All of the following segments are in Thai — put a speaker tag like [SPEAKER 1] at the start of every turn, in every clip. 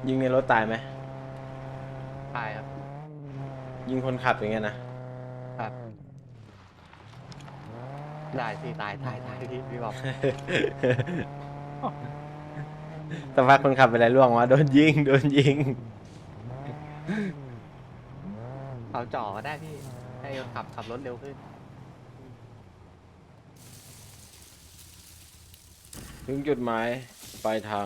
[SPEAKER 1] ยิงในรถตายไหม
[SPEAKER 2] ตายครับ
[SPEAKER 1] ยิงคนขับอย่างเงี้ยนะครับ
[SPEAKER 2] ได้สิตายพี่บอก
[SPEAKER 1] แต่ว่าคนขับเป็นไรล่วงวะโดนยิงโดนยิง
[SPEAKER 2] เอาจ่อก็ได้พี่ให้ขับรถเร็วขึ้น
[SPEAKER 1] ถึงจุดหมายปลายทาง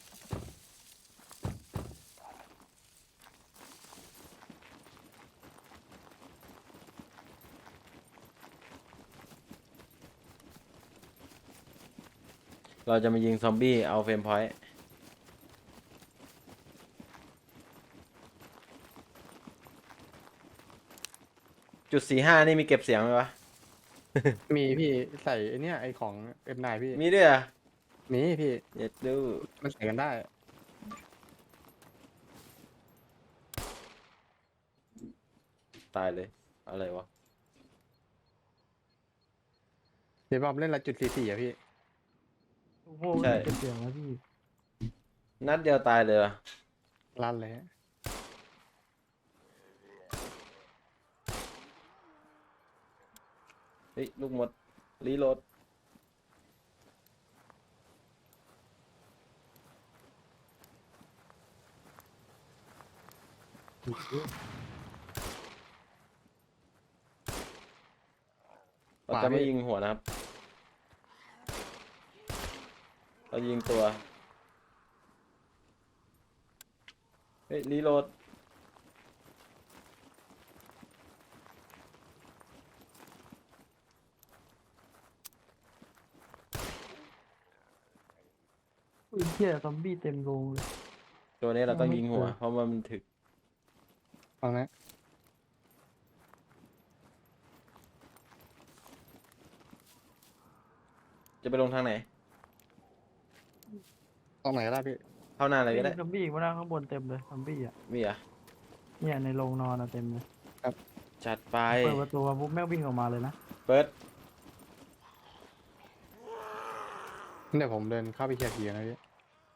[SPEAKER 1] เราจะมายิงซอมบี้เอาเฟรมพอยต์จุด 45นี่มีเก็บเสียงไหมวะ
[SPEAKER 2] มีพี่ใส่ไอเนี้ยไอของM9พี่
[SPEAKER 1] มีด้วยอ่ะ
[SPEAKER 2] มีพี่
[SPEAKER 1] เย็ดดู
[SPEAKER 2] มันใส่กันได้
[SPEAKER 1] ตายเลย อะไรวะ
[SPEAKER 2] เดี๋ยวบอมเล่นละ.44อะพี่
[SPEAKER 3] โอ้โห
[SPEAKER 1] ใช่
[SPEAKER 3] เก็บเสียงแล้วพี่
[SPEAKER 1] นัดเดียวตายเลยอะ
[SPEAKER 2] ลั่นเลยฮะ
[SPEAKER 1] เฮ้ย ลูกหมด รีโหลด เราจะไม่ยิงหัวนะครับ เรายิงตัว เฮ้ย รีโหลด
[SPEAKER 3] อุ้ยเหี้ยซอมบี้เต็มโรงเลย
[SPEAKER 1] ตัวนี้เราต้องยิงหัว
[SPEAKER 3] ไม่เจอ
[SPEAKER 1] เพราะว่ามันถึก
[SPEAKER 2] ฟังนะ
[SPEAKER 1] จะไปลงทางไหน
[SPEAKER 2] ตรงไหนก็ได้พี่
[SPEAKER 1] เข้าหน้าอะไรก็ได้
[SPEAKER 3] มีซอมบี้อีกว่านั่งข้างบนเต็มเลยซอมบี้อ่ะ
[SPEAKER 1] มีอ่ะ
[SPEAKER 3] เนี่ยในโรงนอนอะเต็มเลย
[SPEAKER 1] จัดไป
[SPEAKER 3] เปิดประตูมาปุ๊บแม่งวิ่งออกมาเลยนะ
[SPEAKER 1] เปิด
[SPEAKER 2] เดี๋ยวผมเดินเข้าไปเคลียร์ผีนะพี่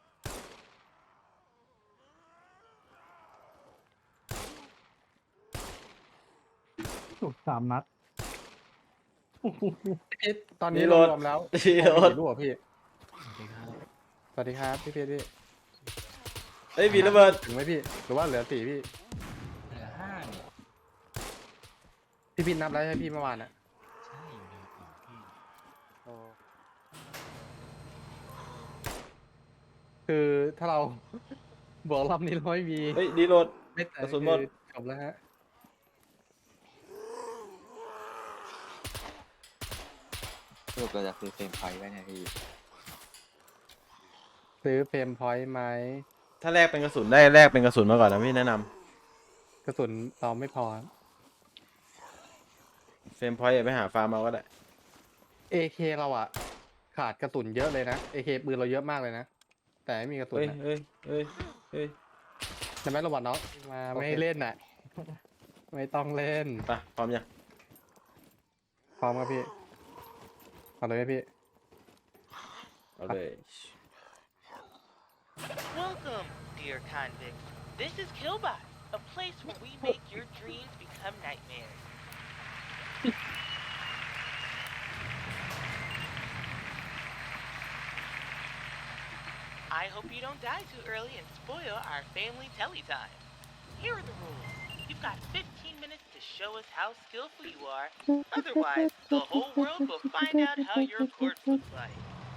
[SPEAKER 3] ถูก3 นัดโอ้โห
[SPEAKER 2] พี่ตอนนี้
[SPEAKER 1] รีโหล
[SPEAKER 2] เรา
[SPEAKER 1] ด
[SPEAKER 2] รวมแล้ว
[SPEAKER 1] รีโหลด
[SPEAKER 2] กี่ลูกอะพี่สวัสดีครับพี่เพชรพี่
[SPEAKER 1] เฮ้ยมีระเบิด
[SPEAKER 2] ถึงไหมพี่หรือว่าเหลือ4พี่
[SPEAKER 4] เหลือ5เนี่ย
[SPEAKER 2] พี่นับแล้วใช่ไหมพี่เมื่อวานอะ
[SPEAKER 4] ใช่เหลือ4พี่
[SPEAKER 2] คือถ้าเรา บวกรอบนี้เราไม่มี
[SPEAKER 1] เฮ้ยรีโหลด
[SPEAKER 2] ไม่แต่
[SPEAKER 1] กระสุนหมด
[SPEAKER 2] คือจบแล้วฮะ
[SPEAKER 5] ลูกเราจะซื้อเฟรมไฟไว้เนี่ยพี่
[SPEAKER 2] ซื้อเฟรมพอยต์ไหม
[SPEAKER 1] ถ้าแลกเป็นกระสุนได้แลกเป็นกระสุนมาก่อนนะพี่แนะนำ
[SPEAKER 2] กระสุนเราไม่พอ
[SPEAKER 1] เฟรมพอยต์ไปหาฟาร์มเอาก็ได้
[SPEAKER 2] AK เราอะขาดกระสุนเยอะเลยนะ AK ปืนเราเยอะมากเลยนะ แต่ไม่มีกระสุน
[SPEAKER 1] เฮ้ย
[SPEAKER 2] นะ
[SPEAKER 1] เฮ้ยเฮ้ยเฮ้ย
[SPEAKER 2] ใช่ไหมโรบอทน้องมา
[SPEAKER 1] โอเค
[SPEAKER 2] ไม่ให้เล่นน่ะ ไม่ต้องเล่น
[SPEAKER 1] ไปพร้อมยัง
[SPEAKER 2] พร้อมครับพี่เอาเลยไหมพี่
[SPEAKER 1] เอาเลย
[SPEAKER 6] Welcome, dear convicts. This is Killbot, a place where we make your dreams become nightmares. I hope you don't die too early and spoil our family telly time. Here are the rules. You've got 15 minutes to show us how skillful you are. Otherwise, the whole world will find out how your corpse looks like.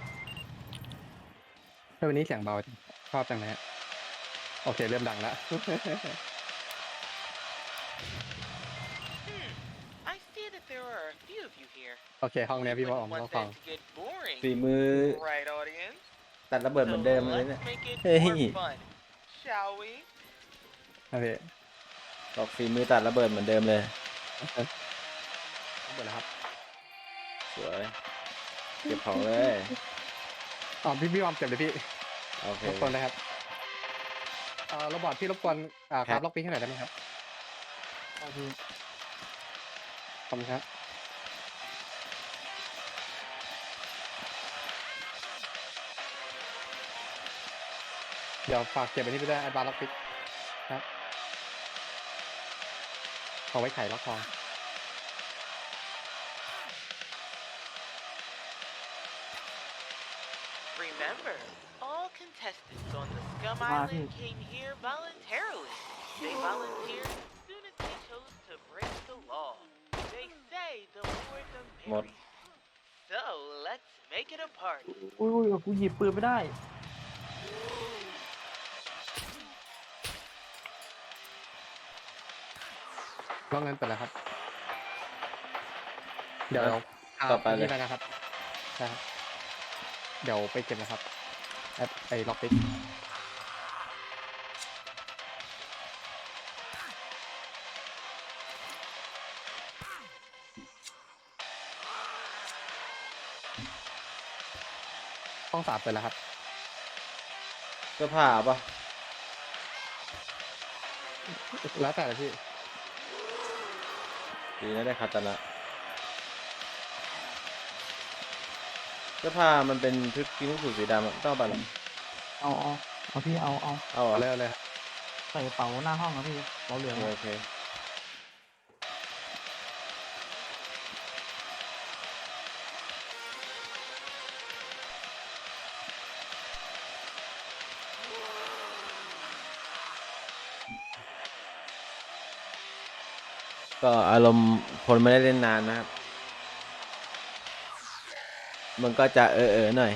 [SPEAKER 2] วันนี้เสียงเบาชอบจังเลยฮะโอเค เริ่มดังแล้ว
[SPEAKER 6] I see that there are a few of you here.
[SPEAKER 2] โอเค ห้องเนี้ยพี่ว่าออก
[SPEAKER 6] Wouldn't
[SPEAKER 2] มา
[SPEAKER 6] want
[SPEAKER 2] ฟัง
[SPEAKER 6] that to get boring,
[SPEAKER 1] ฝีมือ
[SPEAKER 6] right, audience?
[SPEAKER 1] ตัดระเบิดเหมือนเดิมเลยเนี่ย
[SPEAKER 6] let's make it
[SPEAKER 1] Hey.
[SPEAKER 6] more fun, shall we?
[SPEAKER 2] นะพี่
[SPEAKER 1] บอกฝีมือตัดระเบิดเหมือนเดิมเลย
[SPEAKER 2] หมดแล้วครับ
[SPEAKER 1] สวย เก็บของเลย
[SPEAKER 2] อ๋อพี่วอมเก็บเลยพี่
[SPEAKER 1] โอเค
[SPEAKER 2] รบกวนเลยครับโรบอทพี่รบกวนค
[SPEAKER 1] ครั
[SPEAKER 2] รับบ ล็อกปีให้หน่อยได้ไหมครับ
[SPEAKER 3] เอาพี่
[SPEAKER 2] ขอบคุณครับเดี๋ยวฝากเก็บอันนี้ไปด้วยไอ้บาร์ล็อกปิกครับเอาไว้ไขล็อกทอง
[SPEAKER 6] Remember, all contestants on the Scum
[SPEAKER 3] Ah,
[SPEAKER 6] Island
[SPEAKER 3] dude.
[SPEAKER 6] came here voluntarily. They volunteered as soon as they chose to break the law. They say the more the
[SPEAKER 1] Một.
[SPEAKER 6] merrier. So let's make it a party.
[SPEAKER 3] อุ้ยกูหยิบปืนไม่ได้
[SPEAKER 2] ล็อกเงินไปแล้วครับ เดี๋ยว
[SPEAKER 1] ต่อไปเลย
[SPEAKER 2] นี่นะครับนะครับ เดี๋ยวไปเก็บนะครับไอ้ล็อกปิก ห้องสามไปแล้วครับ
[SPEAKER 1] เสื้อผ้าปะ
[SPEAKER 2] แล้วแต่เลยพี่
[SPEAKER 1] ดีนะได้คาตานะเสื้อผ้ามันเป็นชุดกีฬาสูทสีดำอะต้องเอาไปหรอ
[SPEAKER 3] เอาพี่เอา
[SPEAKER 1] เอาเหรอ
[SPEAKER 2] เอาเลยครับ
[SPEAKER 3] ใส่กระเป๋าหน้าห้องนะพี่กระเป๋าเหลืองอะ
[SPEAKER 1] โอเคก็อารมณ์คนไม่ได้เล่นนานนะครับ มันก็จะหน่อย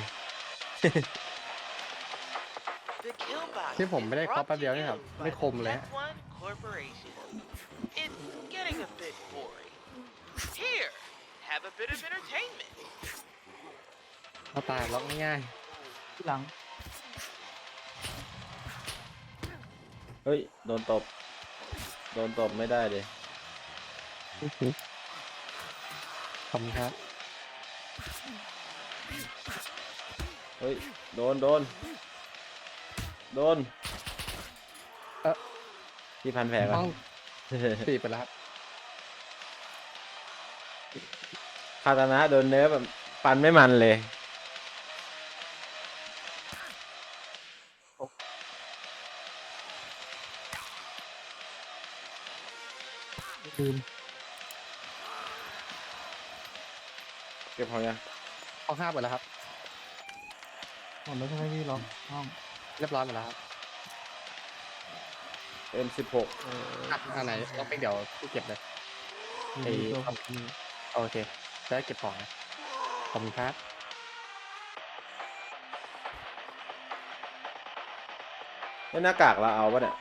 [SPEAKER 6] The kill box
[SPEAKER 2] ที่ผมไม่ได้
[SPEAKER 6] is
[SPEAKER 2] เคาะ
[SPEAKER 6] brought
[SPEAKER 2] แป๊บ
[SPEAKER 6] to
[SPEAKER 2] เดียวนี่
[SPEAKER 6] you
[SPEAKER 2] ครับ
[SPEAKER 6] by
[SPEAKER 2] ไม่
[SPEAKER 6] the
[SPEAKER 2] คมเลยฮะ
[SPEAKER 6] F1 Corporation. It's getting a bit boring. Here, have a bit of entertainment.
[SPEAKER 2] เอาตายล็อกง่าย
[SPEAKER 3] ที่หลัง
[SPEAKER 1] เฮ้ย โดนตบ โดนตบไม่ได้เลย
[SPEAKER 2] ๆขอบคุณครับ
[SPEAKER 1] เฮ้ย โดน ที่พันแผลก่อ
[SPEAKER 2] ห้อน งสี่ไปแล้วครับ
[SPEAKER 1] คาตานะโดนเนื้อแบบฟันไม่มันเลย
[SPEAKER 3] ลืม
[SPEAKER 1] เก็บของยัง
[SPEAKER 2] ห้องห้าไปแล้วครับ
[SPEAKER 3] หมดแล้วใช่ไหมพี่ล็อกห้อง
[SPEAKER 2] เรียบร้อยหมดแล้วครับ
[SPEAKER 1] M16
[SPEAKER 2] อันไหนล็อกปิกเดี๋ยวพี่เก็บเลย ไอ้
[SPEAKER 3] ตัวผมพี่
[SPEAKER 2] โอเคจะได้เก็บของนะขอบคุณครับ
[SPEAKER 1] แล้วหน้ากากเราเอาปะเนี่ย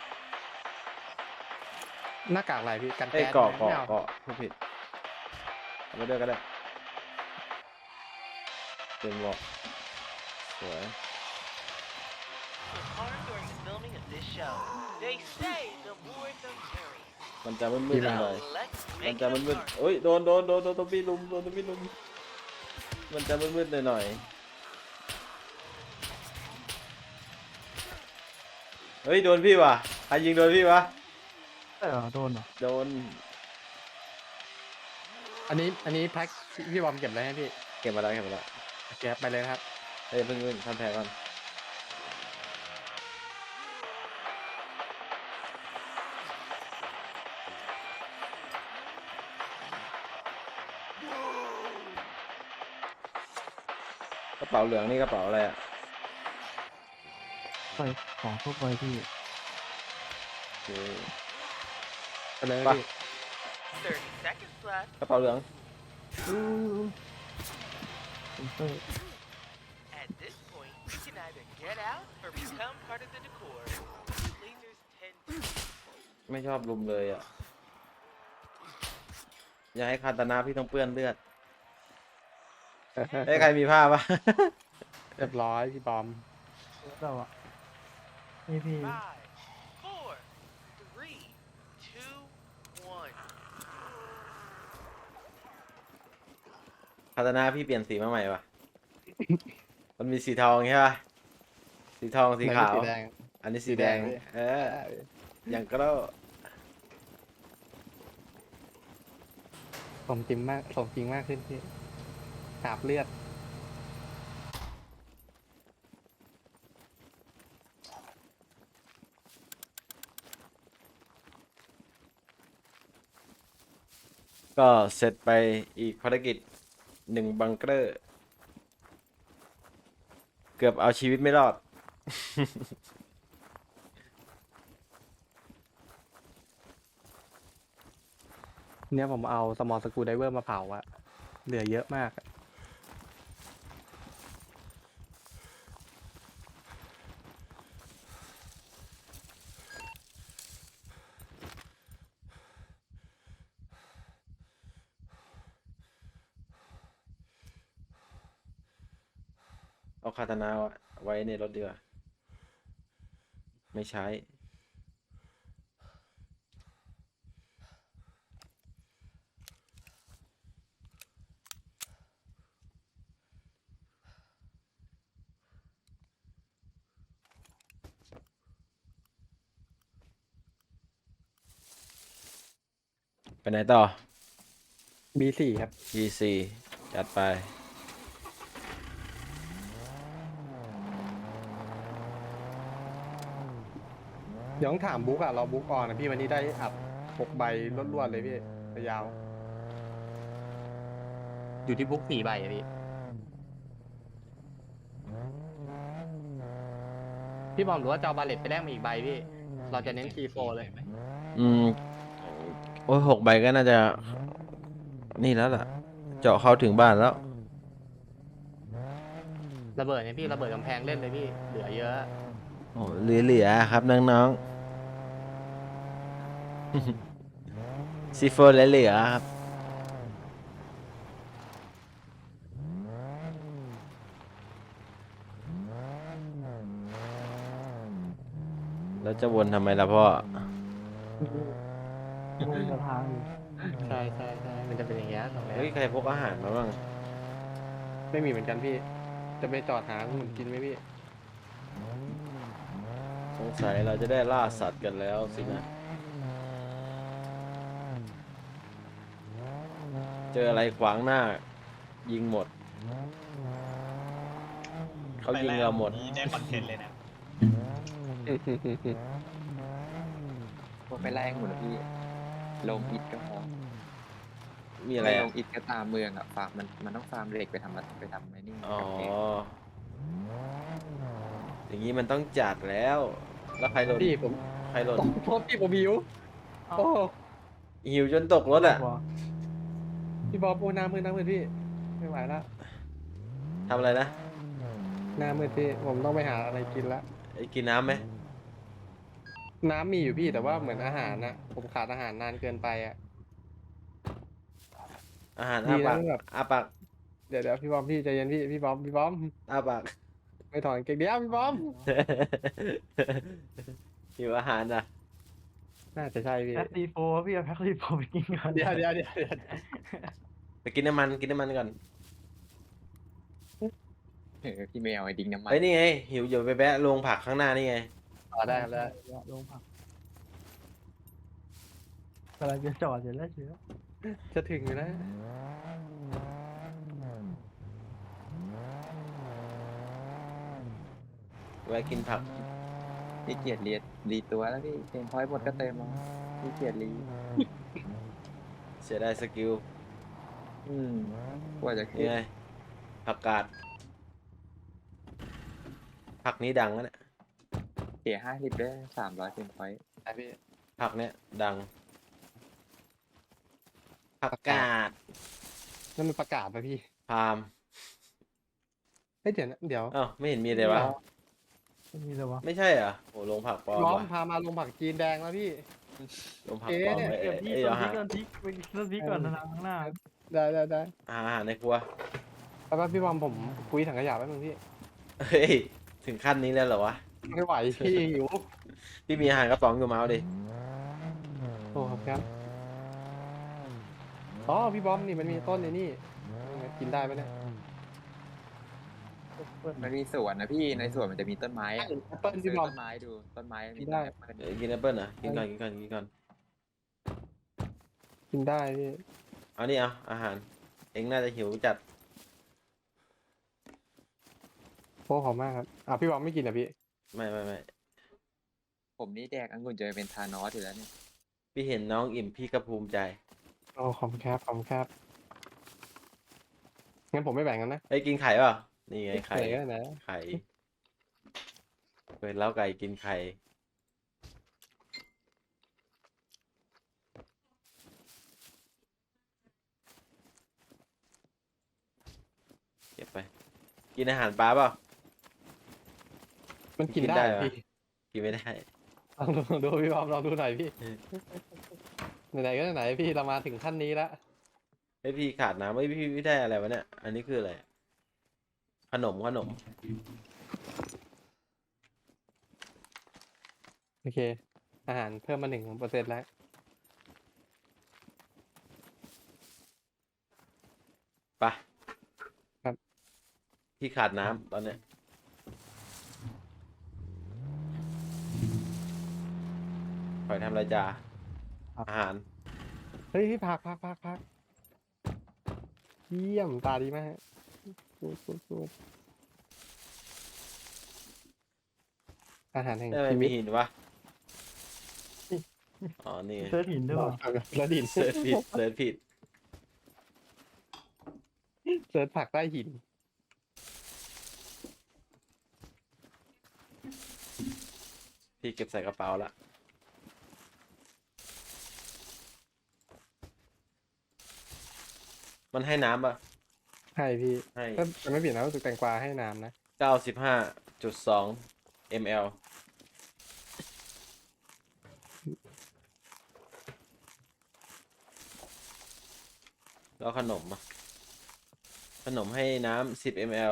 [SPEAKER 2] หน้ากากอะไรพี่กัน
[SPEAKER 1] เอ้ย
[SPEAKER 2] แก๊ส
[SPEAKER 1] เกาะ
[SPEAKER 2] ไม่เอา
[SPEAKER 1] ผู้ผิดเอาไปด้วยก็ได้เป็นบอกสวย
[SPEAKER 6] Was harmed during the filming of this show. They say the more the merrier.
[SPEAKER 1] มันจะมืดๆหน่อย
[SPEAKER 6] So let's
[SPEAKER 1] มัน
[SPEAKER 6] make
[SPEAKER 1] จะ
[SPEAKER 6] it a
[SPEAKER 1] มืด
[SPEAKER 6] party.
[SPEAKER 1] ๆโอ้ยโดนตัวพี่ลุมมันจะมืดๆหน่อยเฮ้ยโดนพี่ว่ะใครยิงโดนพี่วะ
[SPEAKER 3] โดนเหรอ
[SPEAKER 1] โดน
[SPEAKER 2] อันนี้แพ็คพี่บอมเก็บเลยให้พี่
[SPEAKER 1] เก็บมาแล้ว
[SPEAKER 2] โอเคครับไปเลยนะครับ
[SPEAKER 1] เฮ้ยเพิ่งทำแผลก่อนกระเป๋าเหลืองนี่กระเป๋าอะไรอ่ะ
[SPEAKER 3] ใส่ของทั่วไปพี่
[SPEAKER 1] โอเค
[SPEAKER 2] ไปเลย
[SPEAKER 1] ไป
[SPEAKER 2] พี่
[SPEAKER 6] 30 seconds left.
[SPEAKER 1] กระเป๋าเหลือง
[SPEAKER 3] เซอร์
[SPEAKER 6] At this point, you can either get out or become part of the decor. Lasers tend to.
[SPEAKER 1] ไม่ชอบลุมเลยอ่ะ อย่าให้คาตานาพี่ต้องเปื้อนเลือดเอ้ยใครมีผ้าปะ
[SPEAKER 2] เรียบร้อยพี่บอม
[SPEAKER 3] เราอะนี่พี่
[SPEAKER 6] 5, 4, 3, 2, 1.
[SPEAKER 1] คาตานาพี่เปลี่ยนสีมาใหม่ปะ มันมีสีทองใช่ปะสีทองสีขาว
[SPEAKER 2] สีแดง
[SPEAKER 1] อันนี้สีแดง
[SPEAKER 2] สีแดงพี่
[SPEAKER 1] อย่างก็แล้ว
[SPEAKER 2] สมจริงมากขึ้นพี่หาบเลือด
[SPEAKER 1] ก็เสร็จไปอีกภารกิจ1บังเกอร์ เกือบเอาชีวิตไม่รอด
[SPEAKER 2] เนี่ยผมเอาสมอลสกรูไดเวอร์มาเผาอะเหลือเยอะมากอะ
[SPEAKER 1] เอาคาตานาไว้ในรถดีกว่า ไม่ใช้ ไปไหนต่อ
[SPEAKER 2] B4 ครับ
[SPEAKER 1] G4 จัดไป
[SPEAKER 2] เดี๋ยวต้องถามบุ๊กอะเราบุ๊กออนนะพี่วันนี้ได้อัด6 ใบรวดๆเลยพี่ยาว อยู่ที่บุ๊ก4 ใบอะพี่พี่บอมหรือว่าจะเอาบาเลตไปแลกมาอีกใบพี่ เราจะเน้น T4 เลย
[SPEAKER 1] อืม โอ้ย6 ใบก็น่าจะ นี่แล้วล่ะ เจาะเข้าถึงบ้านแล้ว
[SPEAKER 2] ระเบิดเนี่ยพี่ระเบิดกำแพงเล่นเลยพี่เหลือเยอะ
[SPEAKER 1] โอ้เหลือๆครับน้องๆ ซีโฟเหลือๆครับ แล้วจะวนทำไมล่ะพ่อ
[SPEAKER 3] ลงสะพานอยู่
[SPEAKER 2] ใช่ใช่ใช่มันจะเป็นอย่างเงี้ยตรงนี้
[SPEAKER 1] เฮ้ย ใครพกอาหารมาบ้าง
[SPEAKER 2] ไม่มีเหมือนกันพี่ จะไปจอดหาหุ่นกินไหมพี่
[SPEAKER 1] สงสัยเราจะได้ล่าสัตว์กันแล้วสินะ เจออะไรขวางหน้า ยิงหมด เขายิงเราหมด
[SPEAKER 4] นี่ได้คอนเทนต์เลยนะ
[SPEAKER 5] พวกไปไล่หมดเลยพี่ ลงอิฐก็พอ
[SPEAKER 1] มีอะไร
[SPEAKER 5] ม่ล
[SPEAKER 1] อ่ะ
[SPEAKER 5] งอิฐก็ตามเมืองอ่ะฟาร์มมันต้องฟาร์มเหล็กไปทำไอ้นี่
[SPEAKER 1] อ๋อ
[SPEAKER 5] กำแพง
[SPEAKER 1] อย่างนี้มันต้องจัดแล้ว แล้วใครหล่น
[SPEAKER 2] พี่ผม
[SPEAKER 1] ใครหล่น
[SPEAKER 2] โทษพี่ผมหิว โอ้
[SPEAKER 1] หิวจนตกรถอ่ะ
[SPEAKER 3] หัว
[SPEAKER 2] พี่บอมโอ้หน้ามืดพี่ ไม่ไหวละ
[SPEAKER 1] ทำอะไรนะ
[SPEAKER 2] หน้ามืดพี่ผมต้องไปหาอะไรกินละ
[SPEAKER 1] ไอ้กินน้ำไหม
[SPEAKER 2] น้ำมีอยู่พี่แต่ว่าเหมือนอาหารนะผมขาดอาหารนานเกินไปอ่ะ
[SPEAKER 1] อาหาร
[SPEAKER 2] ดี
[SPEAKER 1] อ้า
[SPEAKER 2] นะ
[SPEAKER 1] ปาก
[SPEAKER 2] แบบ
[SPEAKER 1] อ้าปาก
[SPEAKER 2] เดี๋ยวพี่บอมพี่ใจเย็นพี่บอม
[SPEAKER 1] อ้าปาก
[SPEAKER 2] ไม่ถอนเก่งเดียวพี่บอม
[SPEAKER 1] หิวอาหารอ่ะ
[SPEAKER 2] น่าจะใช่พี่
[SPEAKER 3] แพ็คซีโฟพี่เอาแพ็คซีโฟไปกินก่อน
[SPEAKER 2] เดี๋ยว
[SPEAKER 1] ไปกินน้ำมันก่อน
[SPEAKER 5] พี่ไม่เอาไอ้ดิ้งน้ำมัน
[SPEAKER 1] เฮ้ยนี่ไง หิวอยู่ไปแบะโรงผักข้างหน้านี่ไง
[SPEAKER 2] ต่อได้แล้ว
[SPEAKER 3] ลงผักกำลังจะจอดอยู่แล้วเชียว
[SPEAKER 2] จะถึงอยู่นะ
[SPEAKER 1] แวะกินผัก
[SPEAKER 5] พี่เกียรรีตัวแล้วพี่เฟรมพอยต์หมดก็เติมมาพี่เกียรรี
[SPEAKER 1] เสียดายสกิล
[SPEAKER 5] กว่าจะขึ้
[SPEAKER 1] นี่
[SPEAKER 5] น
[SPEAKER 1] ไง ผักกาด ผักนี้ดังแล้วเนี่ย
[SPEAKER 5] เสีย50ได้300เฟรมพอยต์
[SPEAKER 2] ไอพี่
[SPEAKER 1] ผักเนี้ยดัง ผักกาด
[SPEAKER 2] นั่นมันประกาศป่ะพี่
[SPEAKER 1] พาม
[SPEAKER 2] เฮ้ยเดี๋ยวนะเดี๋ยว
[SPEAKER 1] อ้าวไม่เห็นมีเลยวะ
[SPEAKER 3] ไม่มีเลยวะ
[SPEAKER 1] ไม่ใช่เหรอโอ้โรงผักปลอม
[SPEAKER 2] น้อง
[SPEAKER 1] วะ
[SPEAKER 2] พามาลงผักจีนแดงแล้วพี่
[SPEAKER 1] โรงผักปลอม
[SPEAKER 2] เอ๊ะ
[SPEAKER 1] ไว้
[SPEAKER 3] เดี๋ยวพี่
[SPEAKER 1] เอ้ย
[SPEAKER 3] ต้
[SPEAKER 1] เอา
[SPEAKER 3] นพริ
[SPEAKER 1] หาก
[SPEAKER 3] ต้นพริกก่อนนะข้างหน้า
[SPEAKER 2] ได้
[SPEAKER 1] อาหารในครัว
[SPEAKER 2] แป๊บพี่บอมผมคุยถังขยะแป๊บนึงพี่
[SPEAKER 1] เฮ้ย ถึงขั้นนี้แล้วเหรอวะ
[SPEAKER 2] ไม่ไหวพี่หิว
[SPEAKER 1] พี่มีอาหารกระป๋องอยู่มาเอาดิ
[SPEAKER 2] โอ้ครับอ๋อพี่บอมนี่มันมีต้นในนี่กินได้ไหมเนี่ย
[SPEAKER 5] มันมีสวนนะพี่ในสวนมันจะมีต้นไม้อะ
[SPEAKER 2] แอปเปิ้ล
[SPEAKER 5] ซื้
[SPEAKER 2] พี่
[SPEAKER 5] อบ
[SPEAKER 2] อม
[SPEAKER 5] ต้นไม้ดูต้นไม้มี
[SPEAKER 2] ได้
[SPEAKER 5] ต้นแอปเปิ้ล
[SPEAKER 1] กินแอปเปิ้ลเหรอกินก่อน
[SPEAKER 2] กินได้พี่
[SPEAKER 1] เอานี่เอาอาหาร เอ็งน่าจะหิวจัด
[SPEAKER 2] โอ้ขอบมากครับพี่บอมไม่กินอ่ะพี่
[SPEAKER 1] ไม่
[SPEAKER 5] ผมนี่แดกองุ่นจะเป็นทานอสอยู่แล้วเนี่ย
[SPEAKER 1] พี่เห็นน้องอิ่มพี่ก็ภูมิใจ
[SPEAKER 2] โอ้ขอบคุณครับขอบคุณครับงั้นผมไม่แบ่งกันนะ
[SPEAKER 1] ไอ้ยกินไข่เปล่านี่ไงไข่
[SPEAKER 2] ไหนก็ไหน
[SPEAKER 1] ไข่เปิดเล้าไก่กินไข่เก็บไป กินอาหารปลาเปล่า
[SPEAKER 2] มันกิน
[SPEAKER 1] กิน
[SPEAKER 2] ได้
[SPEAKER 1] ได้
[SPEAKER 2] เหรอ
[SPEAKER 1] เหรอ
[SPEAKER 2] พี่
[SPEAKER 1] กินไม่ได้
[SPEAKER 2] ลองดูพี่บอมลองดูหน่อยพี่
[SPEAKER 1] เออ
[SPEAKER 2] ไหนๆก็ไหนๆพี่เรามาถึงขั้นนี้แล้ว
[SPEAKER 1] ไอยพี่ขาดน้ำไอยพี่ไม่ได้อะไรวะเนี่ย อันนี้คืออะไร ขนม
[SPEAKER 2] โอเค อาหารเพิ่มมา1%แล้ว
[SPEAKER 1] ไป
[SPEAKER 2] ครับ
[SPEAKER 1] พี่ขาดน้ำตอนเนี้ยคอยทำอะไรจ้าอาหาร
[SPEAKER 2] เฮ้ยพี่พักเยี่ยมตาดีมากกูดอาหารแห่ง
[SPEAKER 1] ได้ไหม
[SPEAKER 2] ชี
[SPEAKER 1] มี
[SPEAKER 2] วิต
[SPEAKER 1] หินวะ อ๋อ นี่ไง
[SPEAKER 3] เซิร์ชหินด้วยว่ะ
[SPEAKER 2] แล้วดิน
[SPEAKER 1] เสิร์ชผิด เสิร์ชผิด
[SPEAKER 2] เสิร์ชผักใต้หิน
[SPEAKER 1] พี่เก็บใส่กระเป๋าละ มันให้น้ำป่ะ
[SPEAKER 2] ให้พี่
[SPEAKER 1] ให้
[SPEAKER 2] ถ้าจะไม่ผิดนะรู้สึกแตงกวาให้น้ำนะ
[SPEAKER 1] 95.2 ml แล้วขนมอ่ะ ขนมให้น้ำ10 ml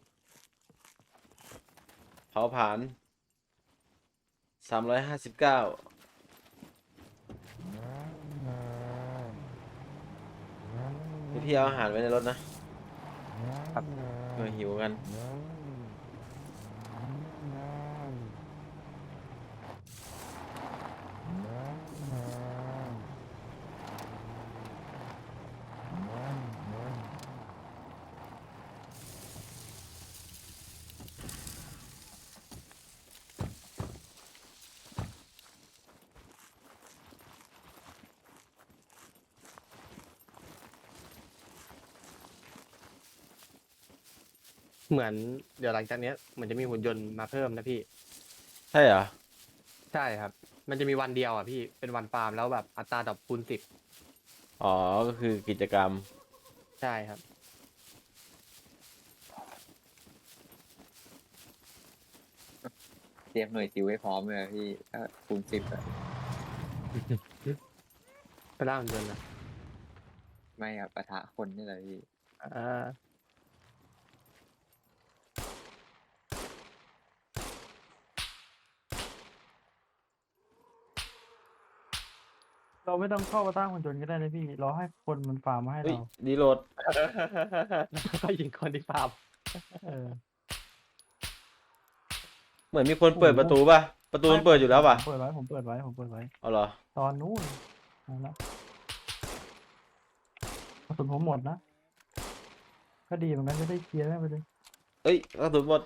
[SPEAKER 1] เผาผลาญ359พี่เอาอาหารไว้ในรถนะหิวกัน
[SPEAKER 2] เหมือนเดี๋ยวหลังจากเนี้ยเหมือนจะมีหุ่นยนต์มาเพิ่มนะพี่
[SPEAKER 1] ใช่เหรอ
[SPEAKER 2] ใช่ครับ มันจะมีวันเดียวอ่ะพี่เป็นวันฟาร์มแล้วแบบอัตราดรอปคูณ10
[SPEAKER 1] อ๋อ ก็คือกิจกรรม
[SPEAKER 2] ใช่ครับ
[SPEAKER 5] เตรียมหน่วยซิวไว้พร้อมเลยอะพี่ถ้าคูณ10อะ
[SPEAKER 2] ไปล่าหุ่นยนต์นะ
[SPEAKER 5] ไม่อะปะทะคนนี่แหละพี่
[SPEAKER 2] อ่า
[SPEAKER 3] เราไม่ต้องเข้ามาตั้งหุ่นยนต์ก็ได้นะพี่รอให้คนมันฟาร์มมาให้
[SPEAKER 1] เฮ้ย
[SPEAKER 3] เรา
[SPEAKER 1] รีโหลด
[SPEAKER 2] แล้วก็ยิงคนที่ฟาร์ม
[SPEAKER 3] เออ
[SPEAKER 1] เหมือนมีคนเปิดประตูป่ะ ประตูมันเปิดอยู่แล้วป่ะ
[SPEAKER 3] ผมเปิดไว้ผมเปิดไว้
[SPEAKER 1] เอาเหรอ
[SPEAKER 3] ตอนนู้นนั่นละกระสุนผมหมดนะ ก็ดีเหมือนกันจะได้เคลียร์ได้ไปเลย
[SPEAKER 1] เอ้ยกระสุนหมด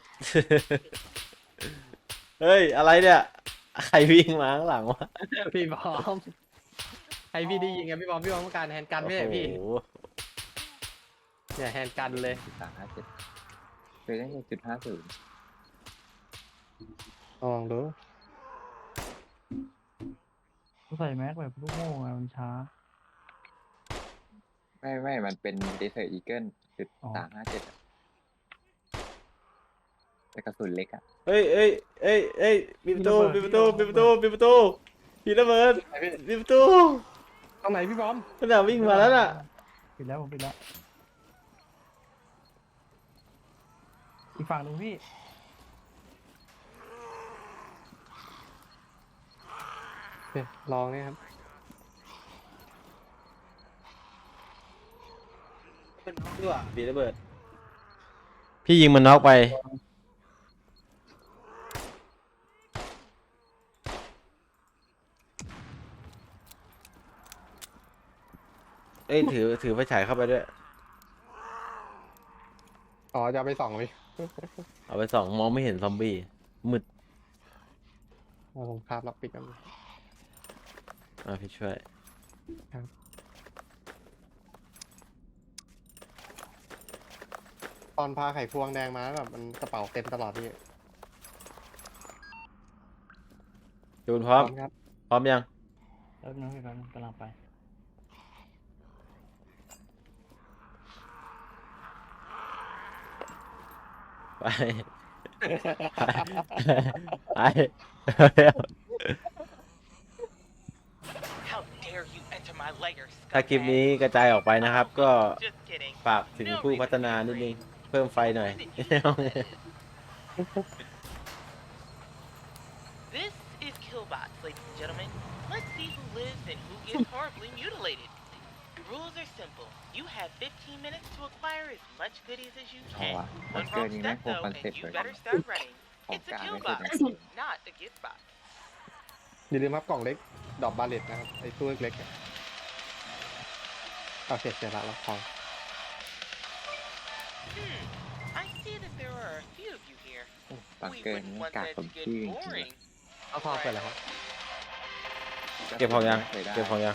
[SPEAKER 1] เฮ้ย อะไรเนี่ย ใครวิ่งมาข้างหลังวะ
[SPEAKER 2] พี่บอมให้พี่ได้ยิงไงพี่บอมต้องการแฮนด์กันไม่ใช่พี่
[SPEAKER 1] โอ้โห
[SPEAKER 2] เนี่ยแฮนด์กันเลย
[SPEAKER 5] 357เคยได้จุด50
[SPEAKER 2] ลองดู
[SPEAKER 3] ต้องใส่แม็กแบบลูกโม่ไงมันช้า
[SPEAKER 5] ไม่มันเป็น Desert Eagle จุด
[SPEAKER 3] อ๋อ
[SPEAKER 5] 357อะแต่กระสุนเล็กอะ
[SPEAKER 1] เฮ้ยปิดประตูปิดประตูปิดประตูปิดประตูปิดระเบิด
[SPEAKER 2] ไหนพี่
[SPEAKER 1] ปิดประตู
[SPEAKER 2] ตรงไหนพี่บอม
[SPEAKER 1] ขนาดวิ่งมาแล้วน่ะ
[SPEAKER 3] ปิดแล้วผมปิดแล้วอีกฝั่งหนึ่งพี่
[SPEAKER 2] โอเคลองเนี่ยครับ
[SPEAKER 1] เป็นน็อกด้วยปิดระเบิด พี่ยิงมันน็อกไป เอ้ยถือไฟฉายเข้าไปด้วย
[SPEAKER 2] อ๋อจะเอาไปส่องพี่
[SPEAKER 1] เอาไปส่องมองไม่เห็นซอมบี้มืด
[SPEAKER 2] เอาผมคาบล็อกปิดกัน
[SPEAKER 1] พี่ช่วย
[SPEAKER 2] ครับตอนพาไข่พวงแดงมาแบบมันกระเป๋าเต็มตลอดพี่
[SPEAKER 1] จูนพร้อม
[SPEAKER 2] ครับ
[SPEAKER 1] พร้อมยัง
[SPEAKER 3] แล้วนึงพี่แป๊บนึงกำลังไป
[SPEAKER 1] ไป ไป เร็ว
[SPEAKER 6] How dare you enter my lair,
[SPEAKER 1] ถ้าคลิปนี้
[SPEAKER 6] scumbag?
[SPEAKER 1] กระจายออกไปนะครับ ก็
[SPEAKER 6] Just kidding.
[SPEAKER 1] ฝากถึงผู้พัฒนานิดนึง เพิ่มไฟหน่อย
[SPEAKER 6] This is Killbots, ladies and gentlemen. Let's see who lives and who gets horribly mutilated. The rules are simple. You have 15 minutes to acquire as much goodies as you
[SPEAKER 5] เอา
[SPEAKER 6] can.
[SPEAKER 5] วะบั
[SPEAKER 6] One
[SPEAKER 5] งเกอ
[SPEAKER 6] wrong
[SPEAKER 5] ร์นี้แม่ง
[SPEAKER 6] step
[SPEAKER 5] โคตร
[SPEAKER 6] though,
[SPEAKER 5] คอน
[SPEAKER 6] and
[SPEAKER 5] เซ็ปต์
[SPEAKER 6] you
[SPEAKER 5] เลย
[SPEAKER 6] better start running.
[SPEAKER 5] ของ
[SPEAKER 6] It's a
[SPEAKER 5] กลาง
[SPEAKER 6] kill
[SPEAKER 5] ไม่
[SPEAKER 6] box,
[SPEAKER 5] ใช่
[SPEAKER 6] not a gift box.
[SPEAKER 2] อย่าลืมครับกล่องเล็กดอกบาเลตนะครับไอ้ตู้เล็กๆอะโอเคเสร็จละรับของ
[SPEAKER 6] I see that there are a few of you here.
[SPEAKER 5] บัง
[SPEAKER 6] We
[SPEAKER 5] เกอร์
[SPEAKER 6] wouldn't
[SPEAKER 5] นี้
[SPEAKER 6] want
[SPEAKER 5] กาก
[SPEAKER 6] that
[SPEAKER 5] ส
[SPEAKER 6] to
[SPEAKER 5] ม
[SPEAKER 6] get
[SPEAKER 5] ชื่อจริงๆ
[SPEAKER 6] boring.
[SPEAKER 2] เอาทองไปแล้วครับ
[SPEAKER 1] เก็บของยัง
[SPEAKER 5] ไม่คยได้
[SPEAKER 1] เก็บของยัง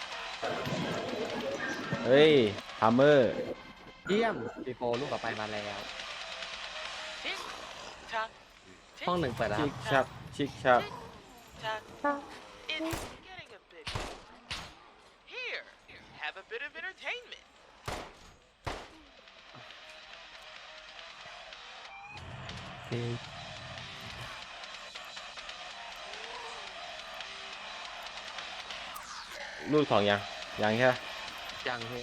[SPEAKER 1] เฮ้ยฮัมเมอร์
[SPEAKER 2] เยี่ยมปีโฟลูกต่อไปมาแล้ว
[SPEAKER 6] Tick tock.
[SPEAKER 2] ห้องหนึ่งเปิดแล้วค
[SPEAKER 1] ชิ
[SPEAKER 2] รับ
[SPEAKER 1] กชัก ชิกชัก
[SPEAKER 6] Tock. It's getting a bit. Here, have a bit of entertainment.
[SPEAKER 1] รูดของยัง ยังใช่ไหม
[SPEAKER 2] ยังพี่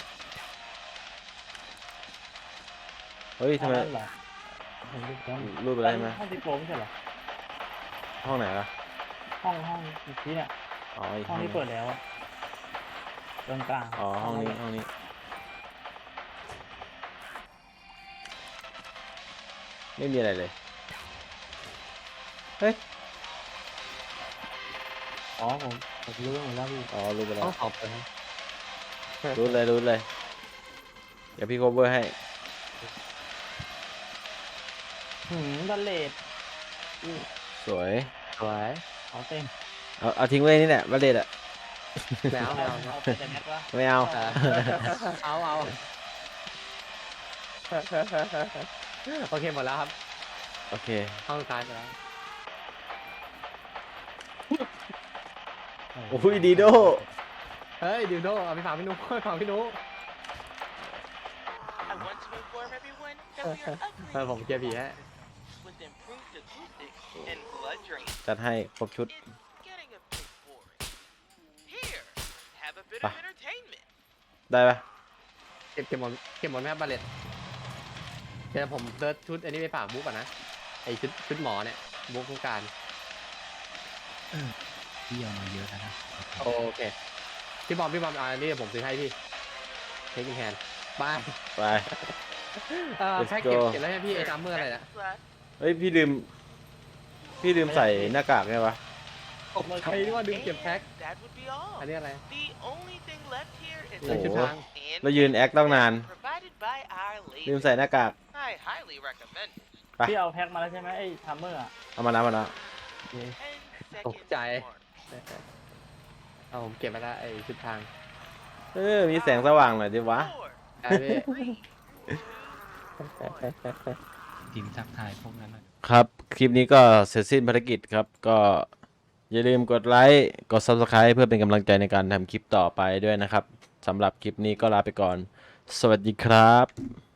[SPEAKER 1] เฮ้ยทำไม
[SPEAKER 3] อันนั้นเหรอเห็นรูปแล้ว
[SPEAKER 1] รูดไปแล้วใช่ไหม
[SPEAKER 3] ห้องที่โปรไม่ใช่เหรอ
[SPEAKER 1] ห้องไหนล่ะ
[SPEAKER 3] ห้องเมื่อกี้เนี่ย
[SPEAKER 1] อ๋ออีก
[SPEAKER 3] ห้
[SPEAKER 1] ห้
[SPEAKER 3] อ
[SPEAKER 1] อง ง
[SPEAKER 3] ที่เปิดแล้วอะตรงกลาง
[SPEAKER 1] อ๋อ ห้องนี้ ห้องนี้ ไม่มีอะไรเลย เฮ้ย
[SPEAKER 3] อ๋อผมรู้หมดแล้วพี่
[SPEAKER 1] อ๋อ รูดไปแล้
[SPEAKER 2] ห้อ
[SPEAKER 1] ว
[SPEAKER 2] งสองเปิดครับ
[SPEAKER 1] รูดเลย รูดเลย เดี๋ยวพี่โคเวอร์ให้
[SPEAKER 3] บัลเลต
[SPEAKER 1] สวย
[SPEAKER 2] สวย
[SPEAKER 3] เอาเต็ม
[SPEAKER 1] เอาทิ้งไว้นี่แหละบัลเลตอะ
[SPEAKER 2] แล้วไม่เอานะ
[SPEAKER 3] เอาไปแต่แม็กวะ
[SPEAKER 1] ไม่เอา
[SPEAKER 2] เอาโอเคหมดแล้วครับ
[SPEAKER 1] โอเค
[SPEAKER 2] ห้องสุดท้ายไปแล้ว
[SPEAKER 1] โอ้ยดีโด
[SPEAKER 2] เฮ้ยดิวโดเอาไปฝากพี่นุ๊กฝากพี่นุ๊ก
[SPEAKER 6] I want to inform everyone that we are
[SPEAKER 2] เออผม
[SPEAKER 6] upgrading
[SPEAKER 2] เกียร์ผีฮะ
[SPEAKER 6] with improved acoustics and blood drain.
[SPEAKER 1] จัดให้ครบชุด
[SPEAKER 6] It's getting a bit boring. Here, have a bit
[SPEAKER 1] Ah.
[SPEAKER 6] of entertainment.
[SPEAKER 1] ได้ปะ
[SPEAKER 2] เก็บหมดไหมครับบาเลตเดี๋ยวผมเดิร์ชุดอันนี้ไปฝากบุ๊กก่อนนะไอชุดหมอเนี่ยบุ๊กต้องการ
[SPEAKER 4] พี่เอามาเยอะแล้วนะ
[SPEAKER 2] โอเคพี่บอมอันนี้ผมซื้อให้พี่เทคนิคแฮนบาย
[SPEAKER 1] ไป Let's
[SPEAKER 2] แพ็ก
[SPEAKER 1] go
[SPEAKER 2] เก็บแล้วให้พี่ไอ้ซัมเมอร์อะไรนะ
[SPEAKER 6] Next slide.
[SPEAKER 1] เฮ้ย พี่ลืมใส่หน้ากากไงวะ
[SPEAKER 2] ใครที่ว่าดึงเก็บแพ็ก
[SPEAKER 6] And that would be all.
[SPEAKER 2] อันนี้อะไร
[SPEAKER 6] The only thing left here is
[SPEAKER 1] โอ้
[SPEAKER 2] ใส่
[SPEAKER 1] โห
[SPEAKER 2] ชุดทาง
[SPEAKER 6] and
[SPEAKER 1] แล้วยืนแอคตั้งนาน
[SPEAKER 6] provided by our
[SPEAKER 1] ลืม
[SPEAKER 6] ladies.
[SPEAKER 1] ใส่หน้ากาก
[SPEAKER 6] I highly recommend it.
[SPEAKER 1] ไป
[SPEAKER 3] พี่เอาแพ็คมาแล้วใช่ไหมไอ้ทัมเมอร์อ่ะ
[SPEAKER 1] เอามาแล้วมาแล้ว
[SPEAKER 6] 10
[SPEAKER 2] ตก
[SPEAKER 6] seconds
[SPEAKER 2] ใจ
[SPEAKER 6] more.
[SPEAKER 2] เอาผมเก็บมาแล้วไอ้ชุดทาง
[SPEAKER 1] มีแสงสว่างหน่อยดิวะ
[SPEAKER 6] 4,
[SPEAKER 2] ได้พี่
[SPEAKER 6] 3, 2, 1.
[SPEAKER 4] ทีมทักทายพวกนั้นน่ะ
[SPEAKER 1] ครับ คลิปนี้ก็เสร็จสิ้นภารกิจครับ ก็อย่าลืมกดไลค์ กด Subscribe เพื่อเป็นกำลังใจในการทำคลิปต่อไปด้วยนะครับสำหรับคลิปนี้ก็ลาไปก่อน สวัสดีครับ